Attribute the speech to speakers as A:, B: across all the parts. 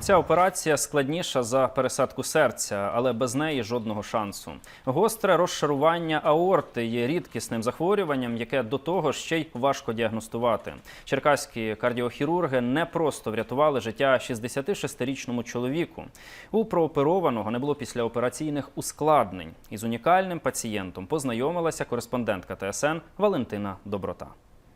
A: Ця операція складніша за пересадку серця, але без неї жодного шансу. Гостре розшарування аорти є рідкісним захворюванням, яке до того ще й важко діагностувати. Черкаські кардіохірурги не просто врятували життя 66-річному чоловіку. У прооперованого не було післяопераційних ускладнень. Із унікальним пацієнтом познайомилася кореспондентка ТСН Валентина Доброта.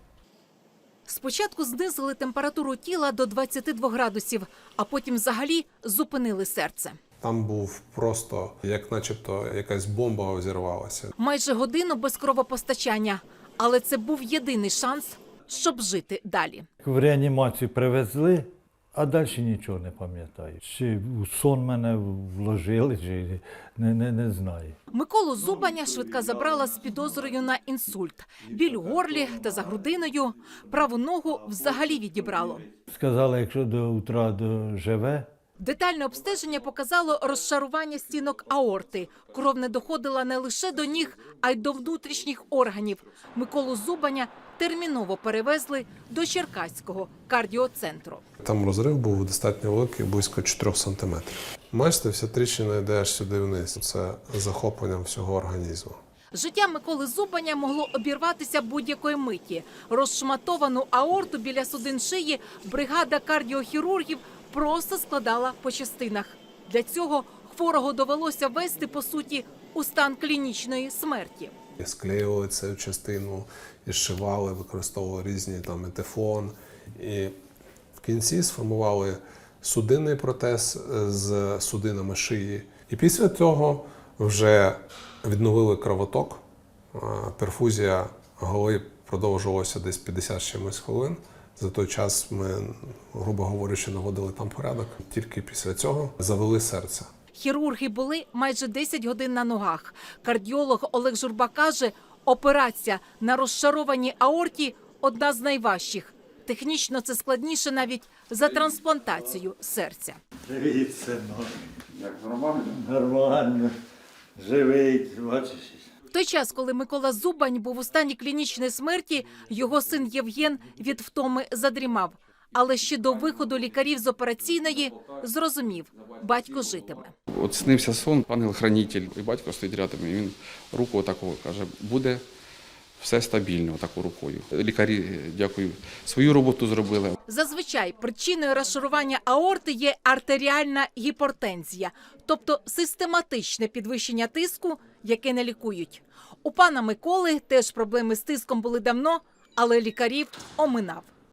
B: Спочатку знизили температуру тіла до 22 градусів, а потім взагалі зупинили серце.
C: Там був просто, як начебто якась бомба взірвалася.
B: Майже годину без кровопостачання, але це був єдиний шанс, щоб жити далі.
D: В реанімацію привезли, а далі нічого не пам'ятаю. Чи у сон мене вложили, чи не знаю.
B: Миколу Зубаня швидка забрала з підозрою на інсульт. Біль у горлі та за грудиною. Праву ногу взагалі відібрало.
D: Сказали, якщо до утра доживе.
B: Детальне обстеження показало розшарування стінок аорти. Кров не доходила не лише до ніг, а й до внутрішніх органів. Миколу Зубаня терміново перевезли до Черкаського кардіоцентру.
C: Там розрив був достатньо великий, близько 4 сантиметрів. Бачите, вся тріщина йде аж сюди вниз. Це захопленням всього організму.
B: Життя Миколи Зубаня могло обірватися будь-якої миті. Розшматовану аорту біля судин шиї бригада кардіохірургів просто складала по частинах. Для цього хворого довелося ввести, по суті, у стан клінічної смерті.
C: Склеювали цю частину, і зшивали, використовували різні етефон. І в кінці сформували судинний протез з судинами шиї. І після цього вже відновили кровоток. Перфузія голови продовжувалася десь 50 чимось хвилин. За той час ми, грубо говорячи, наводили там порядок. Тільки після цього завели серце.
B: Хірурги були майже 10 годин на ногах. Кардіолог Олег Журба каже, операція на розшарованій аорті – одна з найважчих. Технічно це складніше навіть за трансплантацію серця.
E: Привіт, синок. Як нормально? Нормально. Живий, бачиш.
B: В той час, коли Микола Зубань був у стані клінічної смерті, його син Євген від втоми задрімав. Але ще до виходу лікарів з операційної зрозумів – батько житиме.
F: От снився сон, ангел-хранитель, і батько стоїть рядом, і він руку отаку каже, буде все стабільно отаку рукою. Лікарі, дякую, свою роботу зробили.
B: Зазвичай причиною розшарування аорти є артеріальна гіпертензія, тобто систематичне підвищення тиску, яке не лікують. У пана Миколи теж проблеми з тиском були давно, але лікарів оминав.